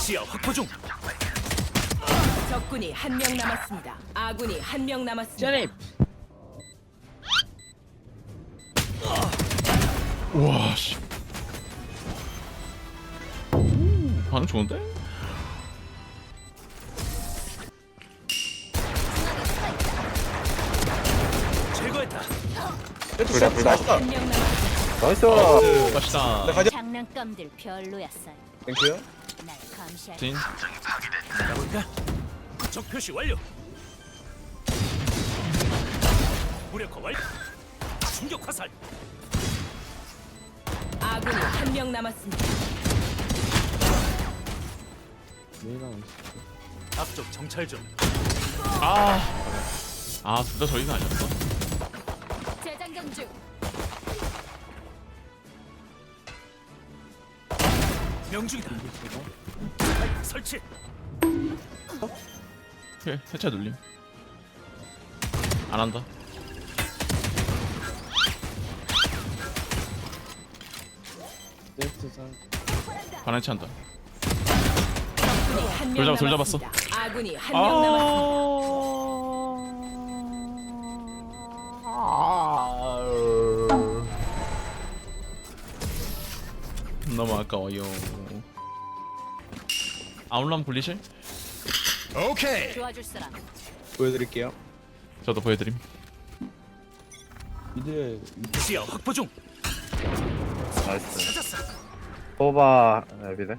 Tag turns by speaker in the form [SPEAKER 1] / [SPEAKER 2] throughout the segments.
[SPEAKER 1] 시야 확보 중.
[SPEAKER 2] 적군이 한 명 남았습니다. 아군이 한 명 남았습니다.
[SPEAKER 3] 제립.
[SPEAKER 4] 우와 씨. 반응 좋은데?
[SPEAKER 1] 제거했다.
[SPEAKER 5] 둘다
[SPEAKER 2] 한 명 남았습니다.
[SPEAKER 5] 나이스.
[SPEAKER 4] 맛있다.
[SPEAKER 5] 나 가자.
[SPEAKER 6] 장난감들 별로였어요.
[SPEAKER 5] 땡큐.
[SPEAKER 6] 날 감시할
[SPEAKER 4] 진.
[SPEAKER 1] 나볼까? 적 표시 완료. 무력화 완료. 충격 화살.
[SPEAKER 2] 아군이 한 명 남았습니다.
[SPEAKER 1] 앞쪽 정찰 중.
[SPEAKER 4] 둘 다 저희가 아니었어.
[SPEAKER 6] 재장전 중.
[SPEAKER 1] 명중이다. 설치.
[SPEAKER 4] 오케이, 해체 눌림. 안 한다. 반해체 한다.
[SPEAKER 2] 적군이 한 명
[SPEAKER 4] 돌
[SPEAKER 2] 남았습니다.
[SPEAKER 4] 잡았어.
[SPEAKER 2] 아군이 한 명 남았습니다.
[SPEAKER 4] 너무 아까워요. 아울람 굴리실?
[SPEAKER 1] 오케이.
[SPEAKER 6] 도와줄 사람.
[SPEAKER 5] 보여드릴게요.
[SPEAKER 4] 저도 보여드림.
[SPEAKER 1] 시야 확보 중.
[SPEAKER 5] 나이스.
[SPEAKER 1] 찾았어.
[SPEAKER 5] 소바 에비데.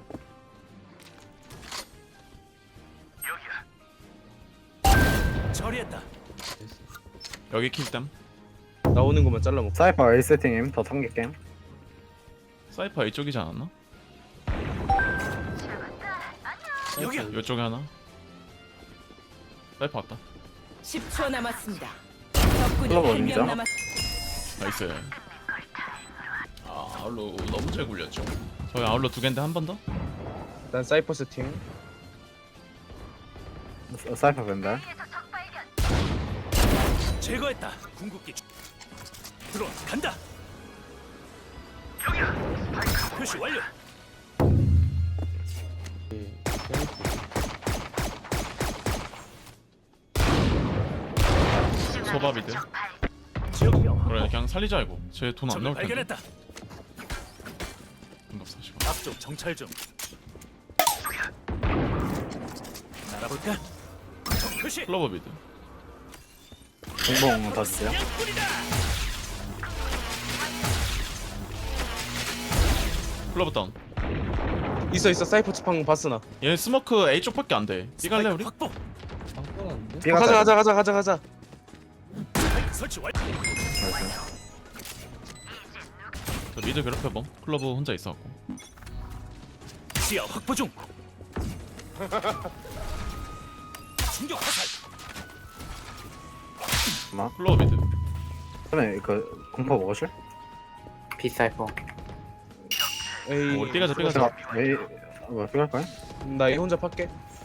[SPEAKER 1] 처리했다.
[SPEAKER 4] 여기 킬담.
[SPEAKER 5] 나오는 것만 잘라먹고. 사이퍼 A 세팅임. 더 참게 게임.
[SPEAKER 4] 사이퍼 이쪽이지 않았나?
[SPEAKER 1] 여기야.
[SPEAKER 4] 이쪽에 하나. 사이퍼 왔다.
[SPEAKER 2] 10초 남았습니다. 적군이
[SPEAKER 5] 클럽
[SPEAKER 2] 한
[SPEAKER 5] 어딘지요?
[SPEAKER 2] 명 남았습니다.
[SPEAKER 4] 나이스. 아울로 너무 잘 굴렸죠. 저희 아울로 두 개인데 한 번 더?
[SPEAKER 7] 일단 사이퍼 세팅.
[SPEAKER 5] 사이퍼 벤달.
[SPEAKER 1] 제거했다. 궁극기. 들어 간다. 여기야. 표시 완료.
[SPEAKER 4] 소바비드.
[SPEAKER 1] 지역명.
[SPEAKER 4] 그래 그냥 살리자 이거. 쟤 돈 안
[SPEAKER 1] 적을
[SPEAKER 4] 나올 텐데.
[SPEAKER 1] 발견했다.
[SPEAKER 4] 응급 40원.
[SPEAKER 1] 앞쪽 정찰 중. 날아볼까? 적 표시.
[SPEAKER 4] 클로버 비드.
[SPEAKER 5] 공봉 더 주세요.
[SPEAKER 4] 클로버 다운.
[SPEAKER 7] 있어 사이퍼 측방 봤으나.
[SPEAKER 4] 얘 스모크 A 쪽밖에 안 돼. 삐갈래 우리?
[SPEAKER 1] 확보.
[SPEAKER 7] 가자.
[SPEAKER 1] 설치 완료.
[SPEAKER 4] 저 미드 괴롭혀봄. 클로버 혼자 있어갖고.
[SPEAKER 1] 시야 확보 중. 충격 화살.
[SPEAKER 4] 클로버 미드.
[SPEAKER 5] 그러면 그 공포 먹으실?
[SPEAKER 8] 비사이퍼
[SPEAKER 7] 에이.
[SPEAKER 4] 삐가자.
[SPEAKER 5] 제가 A 뭐 필요할 거야?
[SPEAKER 7] 나 이 혼자 팔게.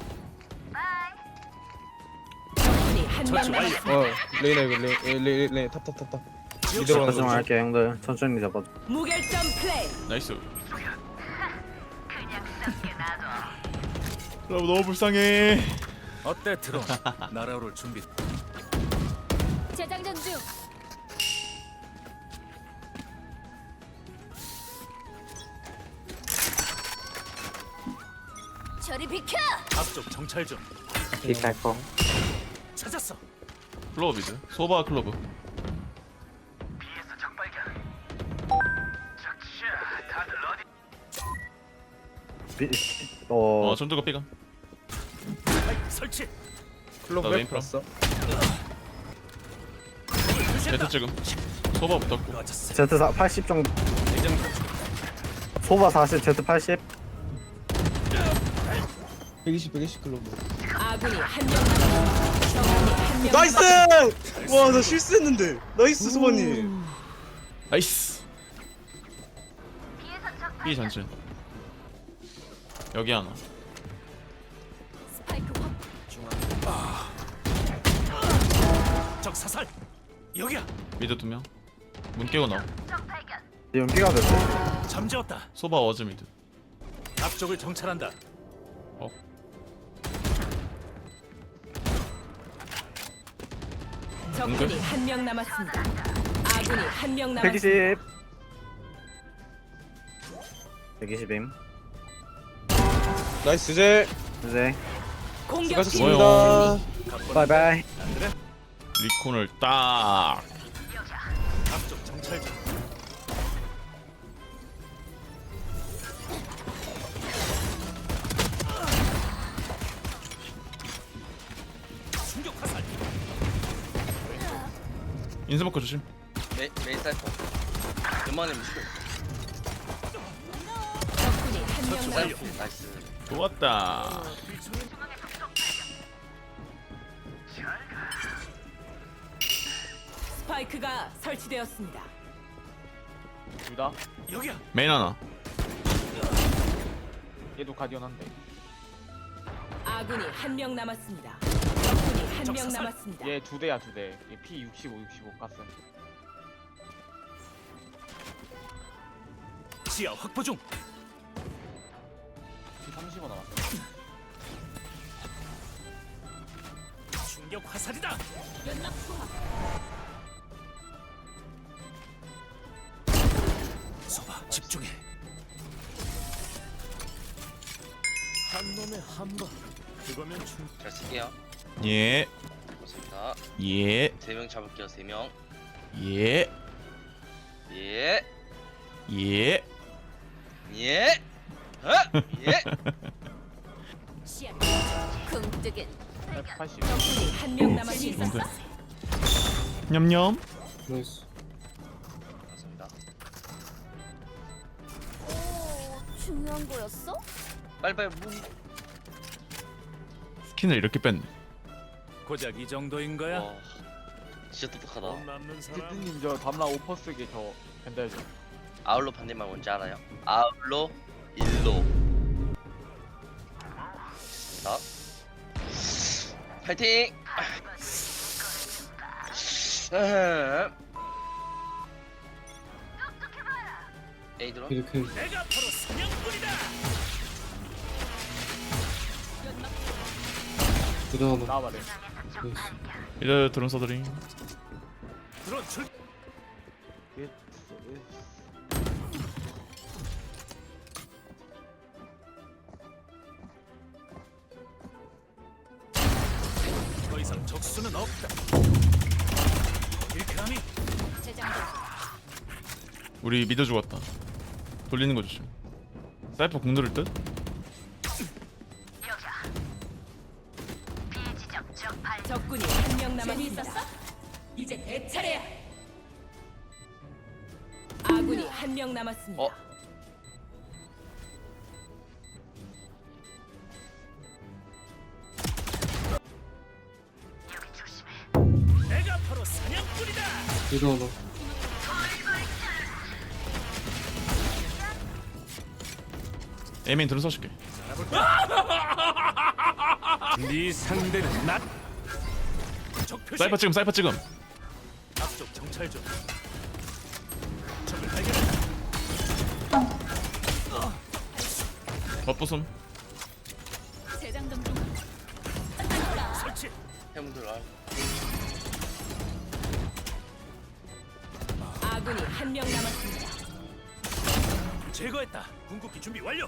[SPEAKER 2] 적군이 한 명
[SPEAKER 1] 설치 완료.
[SPEAKER 2] 남았습니다.
[SPEAKER 7] 레이나 이거 레이 탑.
[SPEAKER 1] 지역
[SPEAKER 7] 이대로 가는
[SPEAKER 5] 조정
[SPEAKER 7] 거지.
[SPEAKER 5] 할게 형들. 천천히 잡아.
[SPEAKER 2] 무결점 플레이.
[SPEAKER 4] 나이스. 클로버 너무 불쌍해.
[SPEAKER 1] 어때 들어. 날아오를 준비.
[SPEAKER 6] 재장전 중. 저리 비켜.
[SPEAKER 1] 앞쪽 정찰 중.
[SPEAKER 8] 비사이퍼
[SPEAKER 1] 찾았어.
[SPEAKER 4] 클로버 미드. 소바 클로버. 전투가 삐가.
[SPEAKER 1] 설치.
[SPEAKER 7] 클럽
[SPEAKER 4] 나
[SPEAKER 7] 백
[SPEAKER 4] 메인
[SPEAKER 7] 봤어.
[SPEAKER 4] 제트 지금. 소바 붙었고.
[SPEAKER 1] 맞았어.
[SPEAKER 5] Z 80 정도.
[SPEAKER 1] 대장
[SPEAKER 5] 소바 40, Z 80.
[SPEAKER 2] 아군이 한 명 남았습니다. 적군이 한 명
[SPEAKER 7] 나이스!
[SPEAKER 2] 남았습니다.
[SPEAKER 7] 와 나 실수했는데. 나이스 소바님.
[SPEAKER 4] 나이스. B 전진. 여기 하나.
[SPEAKER 6] 스파이크 확.
[SPEAKER 1] 적 사살. 여기야.
[SPEAKER 4] 미드 2명. 문 깨고 나오.
[SPEAKER 5] 지금 B가 됐어.
[SPEAKER 1] 잠재웠다.
[SPEAKER 4] 소바 워즈 미드.
[SPEAKER 1] 앞쪽을 정찰한다.
[SPEAKER 4] 어.
[SPEAKER 2] 적군이 한 명 남았습니다. 아군이 한 명 남았습니다.
[SPEAKER 5] 120. 120임.
[SPEAKER 7] 나이스 제.
[SPEAKER 5] 이제
[SPEAKER 2] 공격팀
[SPEAKER 7] 수고하셨습니다.
[SPEAKER 5] 바이바이.
[SPEAKER 4] 리콘을 딱.
[SPEAKER 1] 앞쪽 정찰 중. 충격 화살.
[SPEAKER 4] 인스모크 조심.
[SPEAKER 3] 메인 사이퍼 웬만하면 무시고
[SPEAKER 2] 적군이 한 명
[SPEAKER 3] 사이퍼
[SPEAKER 2] 남았습니다.
[SPEAKER 3] 나이스
[SPEAKER 4] 좋았다.
[SPEAKER 2] 스파이크가 설치되었습니다.
[SPEAKER 9] 둘다
[SPEAKER 1] 여기야.
[SPEAKER 4] 메인 하나.
[SPEAKER 9] 얘도 가디언한데.
[SPEAKER 2] 아군이 한 명 남았습니다. 적군이 한 명
[SPEAKER 1] 적사살.
[SPEAKER 2] 남았습니다.
[SPEAKER 9] 얘 두 대야 두 대. 얘 P 65 가스.
[SPEAKER 1] 지하 확보 중.
[SPEAKER 9] P 35 남았어.
[SPEAKER 1] 충격 화살이다. 소바 집중해. 한 놈에 한 번. 그거면 충.
[SPEAKER 3] 잘 쓸게요
[SPEAKER 4] 예.
[SPEAKER 3] 고맙습니다
[SPEAKER 4] 예.
[SPEAKER 3] 3명 잡을게요 3명
[SPEAKER 4] 예.
[SPEAKER 3] 예
[SPEAKER 4] 예.
[SPEAKER 3] 예 어? 예
[SPEAKER 6] 시야 궁뜨긴
[SPEAKER 9] F80.
[SPEAKER 2] 적군이 한 명 남았습니다.
[SPEAKER 4] 냠냠.
[SPEAKER 7] 나이스.
[SPEAKER 3] 고맙습니다
[SPEAKER 6] 오 중요한 거였어?
[SPEAKER 3] 빨리빨리 문
[SPEAKER 4] 스킨을 이렇게 뺐네.
[SPEAKER 1] 고작 이 정도인 거야?
[SPEAKER 3] 와 진짜 똑똑하다
[SPEAKER 1] 돈 남는 사람.
[SPEAKER 9] 피트님 저 다음날 오퍼 쓰게 저 벤달죠.
[SPEAKER 3] 아울로 반대말 뭔지 알아요? 아울로 일로 자 파이팅 에이 들어
[SPEAKER 1] 내가 바로 사냥꾼이다.
[SPEAKER 9] 나와봐래.
[SPEAKER 4] 이제 드론 써드림.
[SPEAKER 1] 드론 출. 더 이상 적수는 없다. 일감이
[SPEAKER 6] 재장전
[SPEAKER 4] 우리 믿어 죽었다. 돌리는 거 조심. 사이퍼 공 누를 듯?
[SPEAKER 2] 적군이 한 명 남았습니다. 이제 내 차례야. 아군이 한 명 남았습니다.
[SPEAKER 3] 어?
[SPEAKER 1] 내가 바로 사냥꾼이다.
[SPEAKER 4] 에이메인 드론 써줄게.
[SPEAKER 1] 네 상대는 나. 적 표시.
[SPEAKER 4] 사이퍼 찍음, 사이퍼 찍음.
[SPEAKER 1] 앞쪽 정찰 중. 적을 발견했다.
[SPEAKER 4] 겉부숨.
[SPEAKER 6] 재장전 중
[SPEAKER 1] 설치.
[SPEAKER 3] 해문들 아
[SPEAKER 2] 아군이 한 명 남았습니다.
[SPEAKER 1] 제거했다. 궁극기 준비 완료.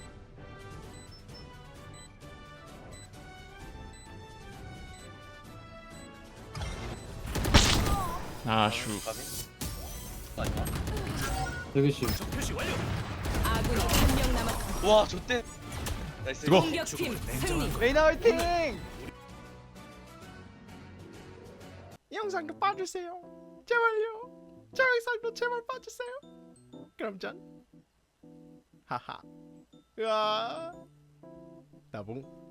[SPEAKER 4] 아슈.
[SPEAKER 3] 가비 아니야
[SPEAKER 1] 적 표시 완료.
[SPEAKER 2] 아군이 한 명 남았습니다.
[SPEAKER 3] 와 좋대 나이스
[SPEAKER 4] 이거.
[SPEAKER 2] 공격팀 승리.
[SPEAKER 9] 레이나 화이팅!
[SPEAKER 10] 이 영상도 봐주세요. 제발요. 저 영상도 제발 봐주세요. 그럼 전 하하. 으아. 나봉.